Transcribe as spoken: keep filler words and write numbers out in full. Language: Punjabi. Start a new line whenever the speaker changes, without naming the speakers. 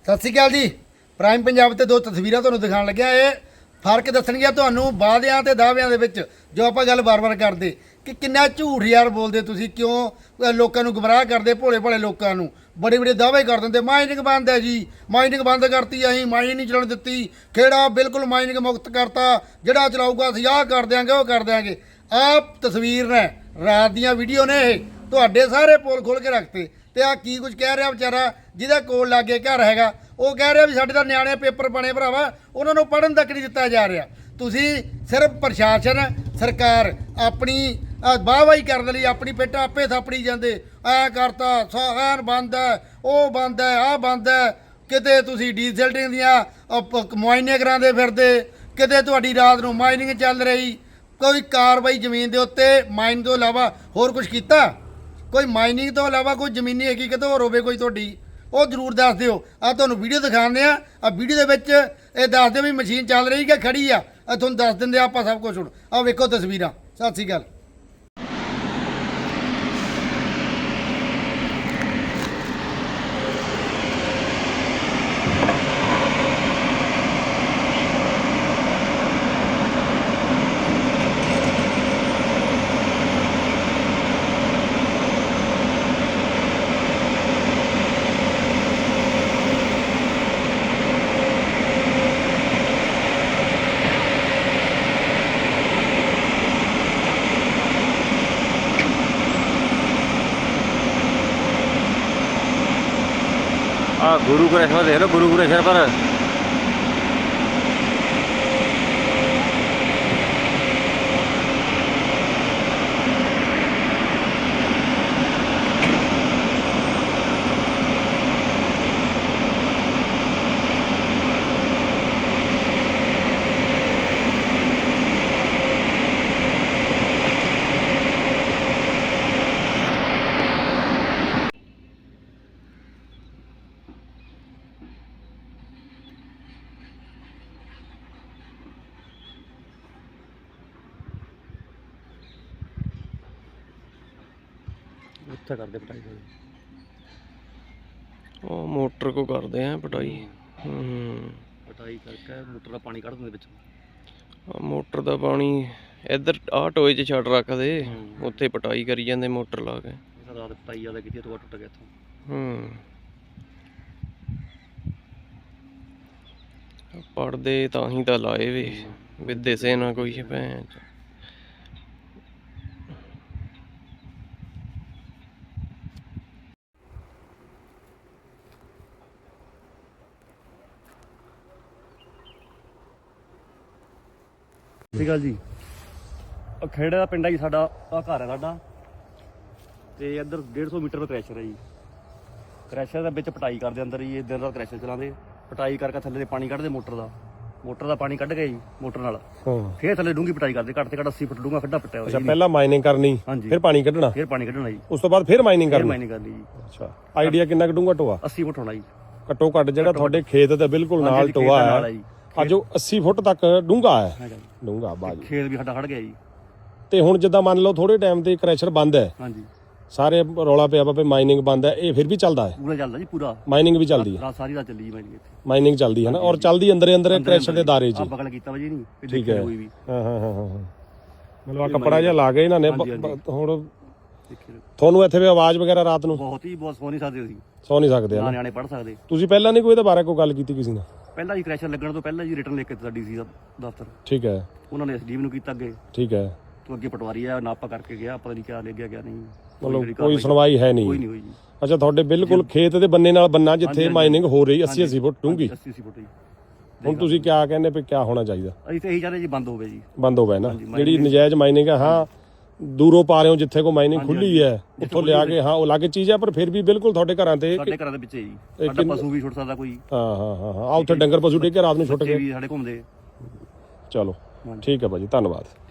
ਸਤਿ ਸ਼੍ਰੀ ਅਕਾਲ ਜੀ। ਪ੍ਰਾਈਮ ਪੰਜਾਬ ਤੇ ਦੋ ਤਸਵੀਰਾਂ ਤੁਹਾਨੂੰ ਦਿਖਾਉਣ ਲੱਗਿਆ। ਇਹ ਫਰਕ ਦੱਸਣਗੀਆਂ ਤੁਹਾਨੂੰ ਵਾਅਦਿਆਂ ਤੇ ਦਾਅਵਿਆਂ ਦੇ ਵਿੱਚ, ਜੋ ਆਪਾਂ ਗੱਲ ਬਾਰ-ਬਾਰ ਕਰਦੇ ਕਿ ਕਿੰਨਾ ਝੂਠ ਯਾਰ ਬੋਲਦੇ ਤੁਸੀਂ, ਕਿਉਂ ਲੋਕਾਂ ਨੂੰ ਗੁੰਮਰਾਹ ਕਰਦੇ, ਭੋਲੇ ਭਾਲੇ ਲੋਕਾਂ ਨੂੰ ਬੜੇ ਬੜੇ ਦਾਅਵੇ ਕਰ ਦਿੰਦੇ। ਮਾਈਨਿੰਗ ਬੰਦ ਹੈ ਜੀ, ਮਾਈਨਿੰਗ ਬੰਦ ਕਰਤੀ, ਅਸੀਂ ਮਾਈਨਿੰਗ ਨਹੀਂ ਚਲਾਉਣ ਦਿੱਤੀ, ਖੇੜਾ ਬਿਲਕੁਲ ਮਾਈਨਿੰਗ ਮੁਕਤ ਕਰਤਾ, ਜਿਹੜਾ ਚਲਾਊਗਾ ਅਸੀਂ ਆਹ ਕਰ ਦਿਆਂਗੇ ਉਹ ਕਰ ਦਿਆਂਗੇ। ਆਹ ਤਸਵੀਰ ਨੇ, ਰਾਤ ਦੀਆਂ ਵੀਡੀਓ ਨੇ, ਇਹ ਤੁਹਾਡੇ ਸਾਰੇ ਪੋਲ ਖੋਲ ਕੇ ਰੱਖਤੇ। ਤੇ ਆ ਕੀ ਕੁਝ ਕਹਿ ਰਿਹਾ ਵਿਚਾਰਾ ਜਿਹਦਾ ਕੋਲ ਲਾਗੇ ਘਰ ਹੈਗਾ, ਉਹ ਕਹਿ ਰਿਹਾ ਵੀ ਸਾਡੇ ਤਾਂ ਨਿਆਣੇ ਪੇਪਰ ਬਣੇ ਭਰਾਵਾ, ਉਹਨਾਂ ਨੂੰ ਪੜ੍ਹਨ ਤੱਕ ਨਹੀਂ ਦਿੱਤਾ ਜਾ ਰਿਹਾ। ਤੁਸੀਂ ਸਿਰਫ ਪ੍ਰਸ਼ਾਸਨ ਸਰਕਾਰ ਆਪਣੀ ਵਾਹਵਾਹੀ ਕਰਨ ਲਈ ਆਪਣੀ ਪਿੱਠ ਆਪੇ ਥਾਪੜੀ ਜਾਂਦੇ, ਐ ਕਰਤਾ ਸਾਨ ਬੰਦ ਹੈ, ਉਹ ਬੰਦ ਹੈ, ਆਹ ਬੰਦ ਹੈ। ਕਿਤੇ ਤੁਸੀਂ ਡੀਜ਼ਲਟਿੰਗ ਦੀਆਂ ਮੁਆਇਨੇ ਕਰਾਉਂਦੇ ਫਿਰਦੇ, ਕਿਤੇ ਤੁਹਾਡੀ ਰਾਤ ਨੂੰ ਮਾਈਨਿੰਗ ਚੱਲ ਰਹੀ। ਕੋਈ ਕਾਰਵਾਈ ਜ਼ਮੀਨ ਦੇ ਉੱਤੇ ਮਾਈਨ ਤੋਂ ਇਲਾਵਾ ਹੋਰ ਕੁਝ ਕੀਤਾ? ਕੋਈ ਮਾਈਨਿੰਗ ਤੋਂ ਇਲਾਵਾ ਕੋਈ ਜ਼ਮੀਨੀ ਹਕੀਕਤ ਹੋਰ ਹੋਵੇ ਕੋਈ ਤੁਹਾਡੀ, ਉਹ ਜ਼ਰੂਰ ਦੱਸ ਦਿਓ। ਆ ਤੁਹਾਨੂੰ ਵੀਡੀਓ ਦਿਖਾਉਂਦੇ ਆ, ਆ ਵੀਡੀਓ ਦੇ ਵਿੱਚ ਇਹ ਦੱਸ ਦਿਓ ਵੀ ਮਸ਼ੀਨ ਚੱਲ ਰਹੀ ਕਿ ਖੜੀ ਆ, ਆ ਤੁਹਾਨੂੰ ਦੱਸ ਦਿੰਦੇ ਆਪਾਂ ਸਭ ਕੁਝ। ਹੁਣ ਆ ਵੇਖੋ ਤਸਵੀਰਾਂ। ਸਤਿ ਸ਼੍ਰੀ ਅਕਾਲ।
ਆ ਗੁਰੂ ਘਰੇਸ਼ਵਰ ਦੇਖ ਲਓ, ਗੁਰੂ ਘਰੇਸ਼ਵਰ ਪਰ ਉੱਥੇ ਕਰਦੇ ਪਟਾਈ
ਉਹ ਮੋਟਰ ਕੋ ਕਰਦੇ ਆ ਪਟਾਈ। ਹੂੰ
ਪਟਾਈ ਕਰਕੇ ਮੋਟਰ ਦਾ ਪਾਣੀ ਕੱਢ ਦਿੰਦੇ ਵਿੱਚ।
ਮੋਟਰ ਦਾ ਪਾਣੀ ਇੱਧਰ ਆਹ ਟੋਏ 'ਚ ਛੱਡ ਰੱਖਦੇ, ਉੱਥੇ ਪਟਾਈ ਕਰੀ ਜਾਂਦੇ ਮੋਟਰ ਲਾ ਕੇ।
ਰਾਤ ਪਟਾਈ ਜ਼ਿਆਦਾ ਕੀਤੀ, ਟੋਆ ਟੁੱਟ ਗਿਆ ਇੱਥੋਂ।
ਹੂੰ ਪੜਦੇ ਤਾਂ ਹੀ ਤਾਂ ਲਾਏ ਵੇ ਵਿਦੇ ਸੇ ਨਾ ਕੋਈ ਭੈਣ।
ਸਤਿ ਸ਼੍ਰੀ ਅਕਾਲ ਜੀ। ਆ ਖੇੜੇ ਦਾ ਪਿੰਡ ਹੈ ਜੀ ਸਾਡਾ, ਆ ਘਰ ਹੈ ਸਾਡਾ, ਤੇ ਇੱਧਰ ਡੇਢ ਸੌ ਮੀਟਰ ਦਾ ਕ੍ਰੈਸ਼ਰ ਹੈ ਜੀ। ਕ੍ਰੈਸ਼ਰ ਦੇ ਵਿੱਚ ਪਟਾਈ ਕਰਦੇ ਅੰਦਰ ਜੀ, ਦਿਨ ਰਾਤ ਕ੍ਰੈਸ਼ਰ ਚਲਾਉਂਦੇ, ਪਟਾਈ ਕਰਕੇ ਥੱਲੇ ਦੇ ਪਾਣੀ ਕੱਢਦੇ ਮੋਟਰ ਦਾ। ਮੋਟਰ ਦਾ ਪਾਣੀ ਕੱਢ ਕੇ ਜੀ ਮੋਟਰ ਨਾਲ ਫੇਰ ਥੱਲੇ ਡੂੰਗੀ ਪਟਾਈ ਕਰਦੇ, ਘੱਟ ਤੇ ਘੱਟ ਅੱਸੀ ਫੁੱਟ ਡੂੰਗਾ ਖੱਡਾ ਪੱਟਿਆ ਹੋਇਆ।
ਅੱਛਾ, ਪਹਿਲਾਂ ਮਾਈਨਿੰਗ ਕਰਨੀ, ਫਿਰ ਪਾਣੀ ਕੱਢਣਾ,
ਫਿਰ ਪਾਣੀ ਕੱਢਣਾ ਜੀ,
ਉਸ ਤੋਂ ਬਾਅਦ ਫਿਰ ਮਾਈਨਿੰਗ
ਫਿਰ
ਕਰਨੀ।
ਮਾਈਨਿੰਗ ਕਰਨੀ ਜੀ।
ਅੱਛਾ, ਆਈਡੀਆ ਕਿੰਨਾ ਕੁ ਡੂੰਘਾ ਟੋਆ?
ਅੱਸੀ ਫੁੱਟ ਹੋਣਾ ਜੀ
ਘੱਟੋ ਘੱਟ, ਜਿਹੜਾ ਤੁਹਾਡੇ ਖੇਤ ਦੇ ਬਿਲਕੁਲ ਨਾਲ ਟੋਆ ਹੈ ਅੱਜ ਉਹ ਅੱਸੀ ਫੁੱਟ ਤੱਕ ਡੂੰਘਾ ਹੈ। ਡੂੰਘਾ ਬਾਜੀ
ਖੇਤ ਵੀ ਸਾਡਾ ਖੜ ਗਿਆ ਜੀ।
ਤੇ ਹੁਣ ਜਿੱਦਾਂ ਮੰਨ ਲਓ ਥੋੜੇ ਟਾਈਮ ਤੇ ਕ੍ਰੈਸ਼ਰ ਬੰਦ ਹੈ,
ਹਾਂਜੀ,
ਸਾਰੇ ਰੌਲਾ ਪਿਆ ਵਾ ਮਾਈਨਿੰਗ ਬੰਦ ਹੈ, ਇਹ ਫਿਰ ਵੀ ਚੱਲਦਾ ਹੈ?
ਪੂਰਾ ਚੱਲਦਾ ਜੀ, ਪੂਰਾ
ਮਾਈਨਿੰਗ ਵੀ ਚੱਲਦੀ ਹੈ,
ਰਾਤ ਸਾਰੀ ਰਾਤ ਚੱਲੀ ਜੀ ਮਾਈਨਿੰਗ ਇੱਥੇ।
ਮਾਈਨਿੰਗ ਚੱਲਦੀ ਹੈ ਨਾ, ਔਰ ਚੱਲਦੀ ਅੰਦਰੇ ਅੰਦਰ ਕ੍ਰੈਸ਼ਰ ਦੇ ਦਾਰੇ 'ਚ।
ਆ ਬਗਲ ਕੀਤਾ ਵਾ ਜੀ ਨਹੀਂ,
ਠੀਕ ਹੈ।
ਕੋਈ ਵੀ
ਹਾਂ ਹਾਂ ਹਾਂ ਹਾਂ ਮਤਲਬ ਆ ਕੱਪੜਾ ਜਿਹਾ ਲਾ ਕੇ ਇਹਨਾਂ ਨੇ। ਹੁਣ
ਦੇਖਿਓ
ਤੁਹਾਨੂੰ ਇੱਥੇ ਵੀ ਆਵਾਜ਼ ਵਗੈਰਾ ਰਾਤ ਨੂੰ
ਬਹੁਤ ਹੀ ਬਹੁਤ ਸੌ ਨਹੀਂ ਸਕਦੇ ਅਸੀਂ,
ਸੌ ਨਹੀਂ ਸਕਦੇ
ਨਾ
ਨਾ?
ਨਿਆਣੇ ਪੜ੍ਹ ਸਕਦੇ।
ਤੁਸੀਂ ਪਹਿਲਾਂ ਨਹੀਂ ਕੋਈ ਇਹਦੇ ਬਾਰੇ ਕੋਈ ਗੱਲ ਕੀਤੀ ਕਿਸੇ ਨਾਲ?
ਪਹਿਲਾਂ ਜੀ ਕ੍ਰੈਸ਼ਰ ਲੱਗਣ ਤੋਂ ਪਹਿਲਾਂ ਜੀ ਰਿਟਰਨ ਲਿਖ ਕੇ ਦਿੱਤਾ ਡੀਸੀ ਦਾ ਦਫ਼ਤਰ,
ਠੀਕ ਹੈ,
ਉਹਨਾਂ ਨੇ ਐਸਡੀਐਮ ਨੂੰ ਕੀਤਾ ਅੱਗੇ,
ਠੀਕ ਹੈ।
ਤੂੰ ਅੱਗੇ ਪਟਵਾਰੀ ਆ ਨਾਪਾ ਕਰਕੇ ਗਿਆ, ਪਤਾ ਨਹੀਂ ਕਿਆ ਲੈ ਗਿਆ ਕਿਆ ਨਹੀਂ,
ਮਤਲਬ ਕੋਈ ਸੁਣਵਾਈ ਹੈ ਨਹੀਂ?
ਕੋਈ ਨਹੀਂ ਹੋਈ ਜੀ।
ਅੱਛਾ, ਤੁਹਾਡੇ ਬਿਲਕੁਲ ਖੇਤ ਦੇ ਬੰਨੇ ਨਾਲ ਬੰਨਾ ਜਿੱਥੇ ਮਾਈਨਿੰਗ ਹੋ ਰਹੀ ਅੱਸੀ ਅੱਸੀ ਫੁੱਟ ਡੂੰਘੀ,
ਅੱਸੀ ਅੱਸੀ ਫੁੱਟ ਜੀ।
ਹੁਣ ਤੁਸੀਂ ਕਿਆ ਕਹਿੰਦੇ ਵੀ ਕਿਆ ਹੋਣਾ ਚਾਹੀਦਾ?
ਅਸੀਂ ਤਾਂ ਇਹੀ ਚਾਹਦੇ ਜੀ ਬੰਦ ਹੋਵੇ ਜੀ,
ਬੰਦ ਹੋਵੇ ਨਾ ਜਿਹੜੀ ਨਜਾਇਜ਼ ਮਾਈਨਿੰਗ ਹੈ। ਹਾਂ, ਦੂਰੋਂ ਪਾ ਰਹੇ ਹੋ ਜਿੱਥੇ ਕੋ ਮਾਈਨਿੰਗ ਖੁੱਲੀ ਹੈ, ਉੱਥੋਂ ਲਿਆ ਕੇ, ਹਾਂ ਉਹ ਅਲੱਗ ਚੀਜ਼ ਹੈ, ਪਰ ਫਿਰ ਵੀ ਬਿਲਕੁਲ ਤੁਹਾਡੇ ਘਰਾਂ ਤੇ,
ਸਾਡੇ ਘਰਾਂ ਦੇ ਵਿੱਚ ਜੀ ਸਾਡਾ ਪਸ਼ੂ ਵੀ ਛੁੱਟ ਸਕਦਾ ਕੋਈ।
ਹਾਂ ਹਾਂ ਹਾਂ ਹਾਂ, ਆ ਉੱਥੇ ਡੰਗਰ ਪਸ਼ੂ ਡਿੱਗ ਕੇ ਰਾਤ ਨੂੰ ਛੁੱਟ
ਬੱਚੇ
ਗਏ,
ਵੀ ਸਾਡੇ ਘੁੰਮਦੇ।
ਚਲੋ ਠੀਕ ਹੈ ਭਾਜੀ, ਧੰਨਵਾਦ।